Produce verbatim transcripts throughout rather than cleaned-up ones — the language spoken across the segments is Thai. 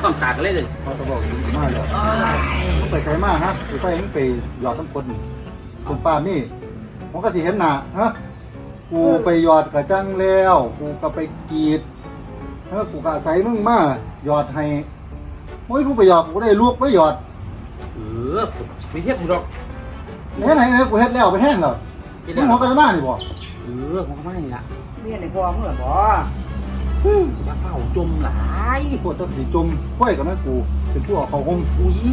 ต้องขาดเลยเลยเขาจะบอกมากเลยไปไกลมากฮะไปไฟมึงไปหยอดน้ำคนจนป่านนี่มันก็สิเห็นหนาฮะกูไปหยอดกระจังแล้วกูก็ไปกรีดเออกูก็อาศัยมึงมาหยอดให้โอ้ยกูไปหยอดกูได้ลูกไปหยอดเออไม่เทียบสิหรอกเฮ็ดไหนเนี่ยกูเฮ็ดแล้วไปแห้งแล้วมึงหัวกันมานี่บ่เออมันก็ไม่นี่ละเมียในพ่อมึงเหรอบ่จะเฝ้าจมหลายพวกตะสีจมค่อยกับแม่กูเป็นผู้เอาเขาห่มอุ้ย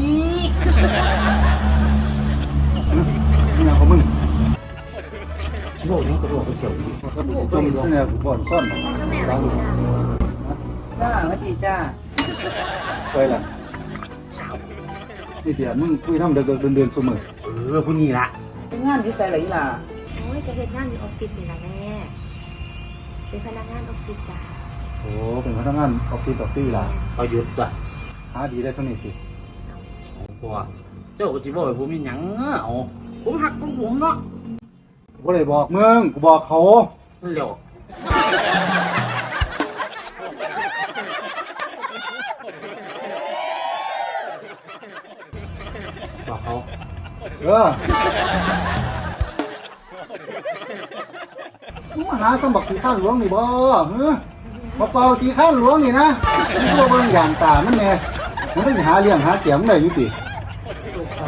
นี่ยังของมึงโลกนี้กระโดดไปเฉียวมันก็จมเสนอกูบ่อนซ่อนสาวลูกจ้าสวัสดีจ้าไปล่ะนี่เดี๋ยวมึงคุยทำเดินเดินเดินเสมอเออผู้นี้ละเป็นงานอยู่ใส่ไหนล่ะโอ้ยจะเฮ็ดงานอยู่ออฟฟิศนี่ล่ะแม่เป็นพนักงานออฟฟิศจ้าโอ้เป็นพนักงานออฟฟิศออฟฟี่ล่ะเขาหยุดตัวหาดีได้เท่านี้สิพอเจ้าก็สิบอกให้ผมมีหยังเอาผมหักของผมเนาะกูบ่ได้บอกมึงกูบอกเขาเร็วบอกเขาเออมึงมาหาสมบัติสีข้างหลวงนี่บ่เฮ้อมาเป่าสีข้างหลวงนี่นะมึงก็เบิ่งอย่างตามันแน่มันต้องหาเลี้ยงหาเกียงได้อยู่ติลูกเขา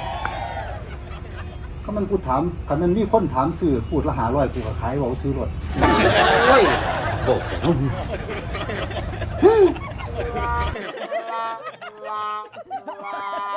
ก็มันกูถามคันมันมีคนถามซื้อพูดละหาร้อยกูก็ขายเว้าซื้อรถโอ้ยโบกแต่นุ่ม